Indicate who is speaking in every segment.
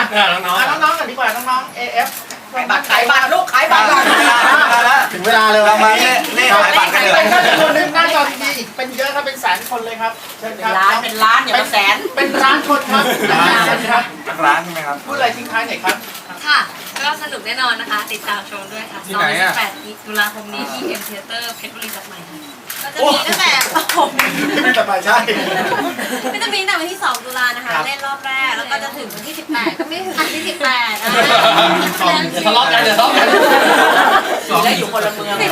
Speaker 1: น้องๆกันดีกว่าน้องๆ AF
Speaker 2: ขายบัตรลูกขายบัตร
Speaker 3: ถึงเวลาเลย
Speaker 4: เรามาเล่ขายบัตรกันเลย
Speaker 1: เป็นจำนวนนึงหน้าจอทีอีกเป็นเยอะครับเป็นแสนคนเลยครับเชิญครับ
Speaker 2: เป็นล้านอย่ามาแสน
Speaker 1: เป็นล้านคนครับครับ
Speaker 4: ร้านใช่ไหมครับ
Speaker 1: พูดอะไรทิ้งท้ายหน่อยครับ
Speaker 5: ค่ะก็สนุกแน่นอนนะคะติดตามชมด้วยค่ะ28ตุลาคมนี้ที่ M Theater เพชรบุรีตัดใหม่ค่ะก็จะมีตั้งแต่
Speaker 3: ไม่สบายใช่
Speaker 5: ไม่จะมีตั้งแต่วันที่2ตุลานะคะเล่นรอบแรกแล้วก็จะถึงวันที่18ก็ไม่ถึงวันที่18นะ
Speaker 1: ทะเลาะกัน
Speaker 2: ได้อยู่คนละเมือง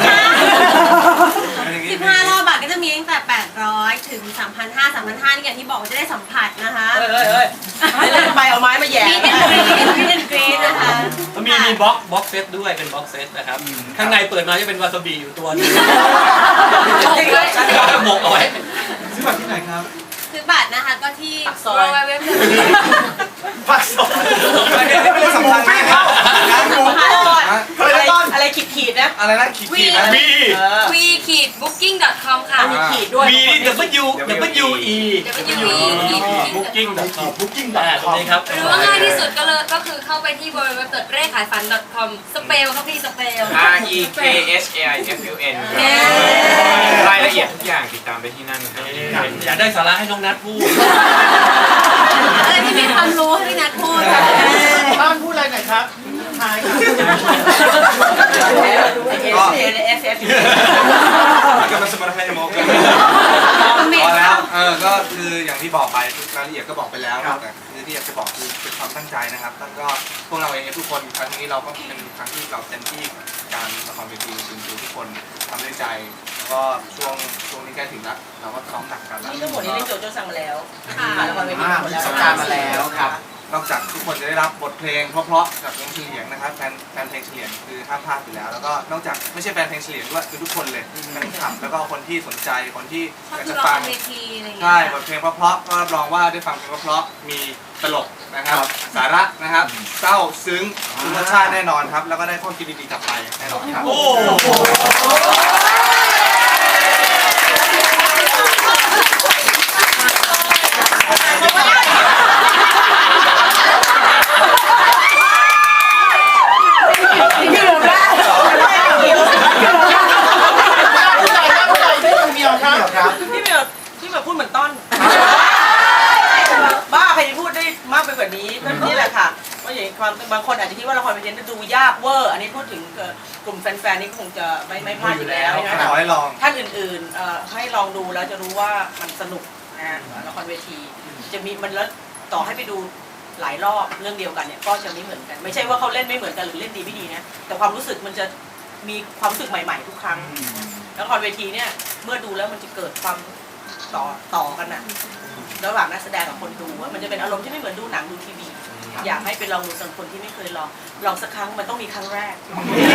Speaker 5: 15รอบบัตรก็จะมีตั้งแต่800ถึง 3,500 3,500นี่อย่างที่บอกว่าจะได้สัมผัสนะคะ
Speaker 2: เฮ้ยเล่นไปเอาไม้มาแย่
Speaker 5: มีเดนกรีนนะคะ
Speaker 6: มีบ็อกเซตด้วยเป็นบ็อกเซตนะครับข้างในเปิดมาจะเป็นวาซาบิอยู่ตัวนึงก็หมกเอาไว้
Speaker 4: ซื้อบัตรที่ไหนครับ
Speaker 5: ซื้อบัตรนะคะก็ที่เว็บ
Speaker 1: ผักสด
Speaker 4: ไม่ได้สำคัญมากงานบุก
Speaker 2: อะไรขีดนะ
Speaker 4: อะไรนะขีดนะ
Speaker 5: we-booking.com ค่ะ
Speaker 2: มีขีดด้วย
Speaker 6: มี WE booking.com ตรงนี้ครับ
Speaker 5: หรือว่าง่ายที่สุดก็คือเข้าไปที่ www.rekhayfan.com สเปลครับพี่สเปล
Speaker 7: REKHAIFUN รายละเอียดทุกอย่างติดตามไปที่นั่นครับ
Speaker 6: อยากได้สาระให้น้องนัทพูด
Speaker 5: ที่มีความรู้ให้พี่นัทพูด
Speaker 1: บ้านพูดอะไรหน่อยครับทายครับ
Speaker 4: กำลังสมาร์ทไฟโมกันพอแล้วก็คืออย่างที่บอกไปทุกรายละเอียดก็บอกไปแล้วแต่ที่อยากจะบอกคือเป็นความตั้งใจนะครับแล้วก็พวกเราเองทุกคนครั้งนี้เราก็เป็นครั้งที่เราเต็มที่การละครเวทีจริงๆทุกคนทำด้วยใจแล้วก็ช่วงนี้ใกล้ถึงแล้วเราก็ซ้อมหนักกันแล้ว
Speaker 2: นี่ทั้งหมดนี้เล่นโจโจ้สั่งมาแล้วละครเวที
Speaker 3: มีสัปดาห์มาแล้วครับ
Speaker 4: นอกจากทุกคนจะได้รับบทเพลงเพราะๆจากวงเฉลียงนะครับแฟนเพลงเฉลียงคือห้ามพลาดอยู่แล้วแล้วก็นอกจากไม่ใช่แฟนเพลงเฉลียงด้วยคือทุกคนเลยแฟนคลับแล้วก็คนที่สนใจคนที่อยากจะฟังใช่บทเพลงเพราะๆก็รับรองว่าได้ฟังเพลงเพราะๆมีตลกนะครับสาระนะครับเศร้าซึ้งธรรมชาติแน่นอนครับแล้วก็ได้ข้อคิดดีๆกลับไปแน่นอนครับ
Speaker 2: ที่แบบพูดเหมือนต้นบ้าใครจะพูดได้มากไปกว่านี้นี่แหละค่ะว่าอย่างความบางคนอาจจะคิดว่าละครเวทีจะดูยากเวอร์อันนี้พูดถึงกลุ่มแฟนๆนี่คงจะไม่พลาดอยู่แล้วนะคะท่านอื่นๆให้ลองดูแล้วจะรู้ว่ามันสนุกนะละครเวทีจะมีมันแล้วต่อให้ไปดูหลายรอบเรื่องเดียวกันเนี่ยก็จะไม่เหมือนกันไม่ใช่ว่าเขาเล่นไม่เหมือนกันหรือเล่นดีไม่ดีนะแต่ความรู้สึกมันจะมีความรู้สึกใหม่ๆทุกครั้งละครเวทีเนี่ยเมื่อดูแล้วมันจะเกิดความต่อกันนะระหว่างนักแสดงกับคนดูว่ามันจะเป็นอารมณ์ที่ไม่เหมือนดูหนังดูทีวีอยากให้ไปลองดูสำหรับคนที่ไม่เคยลองสักครั้งมันต้องมีครั้งแรก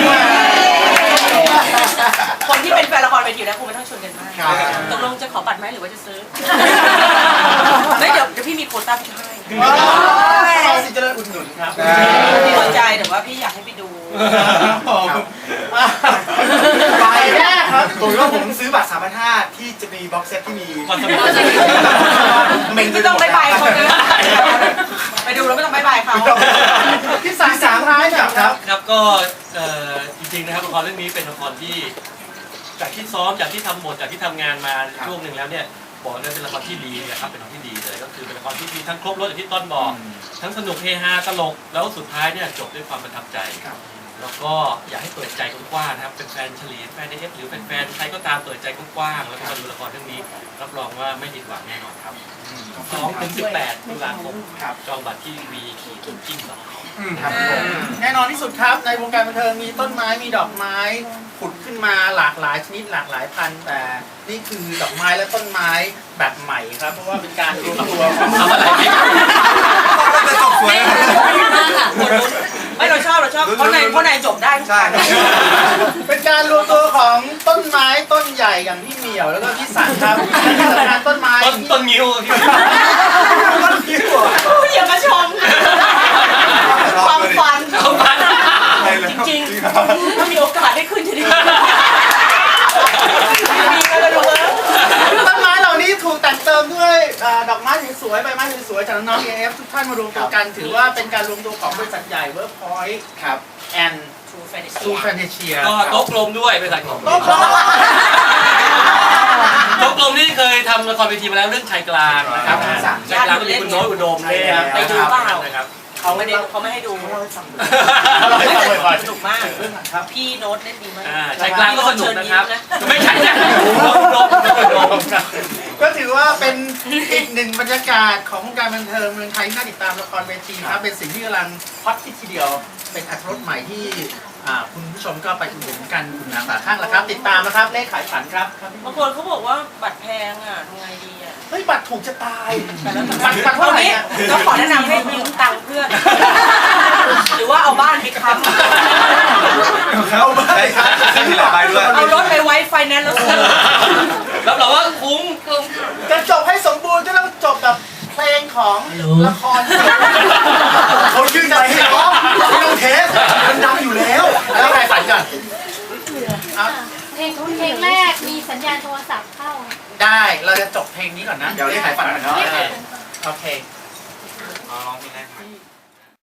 Speaker 2: คนที่เป็นแฟนละครเวทีแล้วคงไม่ต้องชวนกันมากตกลงจะขอบัตรไหมหรือว่าจะซื้อไม่เดี๋ยวพี่มีโควต้าพี่ให้
Speaker 1: เราสิจะเริ่มอุดหนุนครับ
Speaker 2: พี่สนใจแต่ว่าพี่อยากให้ไปดู
Speaker 1: ไปแน่ครับ
Speaker 3: ผมว่าผมซื้อบัตร 3,500 ที่จะมีบ็อกเซตที่มี
Speaker 2: ไม่ต้องบายคนนะไปดูแล้วไม่ต้องบายเขา
Speaker 1: ที่สามท้าย
Speaker 6: ครับก็จริงๆนะครับละครเรื่องนี้เป็นละครที่จากที่ซ้อมจากที่ทำบทจากที่ทำงานมาช่วงหนึ่งแล้วเนี่ยบอกเลยเป็นละครที่ดีนะครับเป็นละครที่ดีเลยก็คือเป็นละครที่มีทั้งครบรสอย่างที่ต้นบอกทั้งสนุกเฮฮาตลกแล้วสุดท้ายเนี่ยจบด้วยความประทับใจแล้วก็อยากให้เปิดใจกว้างๆนะครับเป็นแฟนเฉลียงแฟนAFหรือแฟนใครก็ตามเปิดใจกว้างๆแล้วก็มาดูละครเรื่องนี้รับรองว่าไม่ผิดหวังแน่นอนครับ2 ถึง 18 ตุลาคมจองบัตรที่ we-booking.com
Speaker 1: แน่นอนที่สุดครับในวงการบันเทิงมีต้นไม้มีดอกไม้ผุดขึ้นมาหลากหลายชนิดหลากหลายพันธุ์แต่นี่คือดอกไม้และต้นไม้แบบใหม่ครับเพราะว่าเป็นการรวมตัวของอะไร
Speaker 4: จะจบสวย
Speaker 2: ไม่เราชอบเพราะในจบได้
Speaker 4: ใช่
Speaker 1: เป็นการรวมตัวของต้นไม้ต้นใหญ่อย่างพี่เหมียวแล้วก็พี่สันครับที่สำคัญต้นไม้
Speaker 6: ต้นงิ้ว
Speaker 2: อย่ามาชมความฝันจริงๆถ้ามีโอกาสได้ขึ้นจะดี
Speaker 1: ต้นไม้เหล่านี้ถูกแต่งเติมด้วยดอกไม้สวยๆใบไม้สวยวยๆจากน้อง AF ทุกท่านมารวมตัวกัน ถือว่าเป็นการรวมตัวของบริษัทใหญ่ Workpoint
Speaker 3: ครับ
Speaker 1: and True Fantasia
Speaker 6: ก็โต๊ะกลมด้วยบริษัทของ
Speaker 1: โต๊ะกลม
Speaker 6: โต๊ะกลมนี่เคยทำละครเวทีมาแล้วเรื่องชายกลางนะครับชายกลางก็มีคุณโน้ตอุดมเนี่ย
Speaker 2: ไปดูเปล่า
Speaker 6: นะครับ
Speaker 2: เขาไม่ให้ดู
Speaker 1: เราให้ฟังบ่อยๆ
Speaker 2: สนุกมาก
Speaker 1: เรื่องไหนครับ
Speaker 2: พี่โน้ตเล่นดีมาก
Speaker 6: ชายกลางก็สนุกนะครับไม่ใช่นะอุดม
Speaker 1: ก็ถือว่าเป็นอีกหนึ่งบรรยากาศของวงการบันเทิงเมืองไทยที่น่าติดตามละครเวทีครับเป็นสิ่งที่กำลังฮอตทีเดียวเป็นอัตรสใหม่ที่คุณผู้ชมก็ไปอุดหนุนกันคุณนาฝาข้างแล้วครับ ติดตามนะครับเลขขายฝันครับ
Speaker 2: บางคนเขาบอกว่าบัตรแพงอ่ะทำไงดีอ่ะ
Speaker 1: เฮ้ยบัตรถูกจะตาย
Speaker 2: แต่แล้ว
Speaker 1: บัตรเท่า
Speaker 2: เท่า
Speaker 1: ไหร่
Speaker 2: นี้
Speaker 1: เนี่ย
Speaker 2: ก็ขอแนะนำให้ยืมตังค์เพื่อน หรือว่าเอาบ้านไปค้ำ
Speaker 4: เขาได้ครับขึ้นที่หลายใบด้วย
Speaker 2: เอารถไปไว้ไฟแนนซ์แล้วซื้อ
Speaker 6: รับรองว่าคุ้ม
Speaker 5: คุ้มค่ะ
Speaker 1: จะจบให้สมบูรณ์ก็ต้องจบแบบเพลงของละคร
Speaker 3: เขาชื่นใจให้ร้องไม่ต้องเทสมันดังอยู่แล้ว
Speaker 1: แล้วใครฝันก่อนเอา
Speaker 8: เพลงแรกมีสัญญาณโทรศัพท์เข้า
Speaker 1: ได้เราจะจบเพลงนี้ก่อนนะ
Speaker 3: เดี๋ยวเลขขายฝันก่อนเนาะ
Speaker 1: โอเค
Speaker 4: ลองเพลงแรกใหม่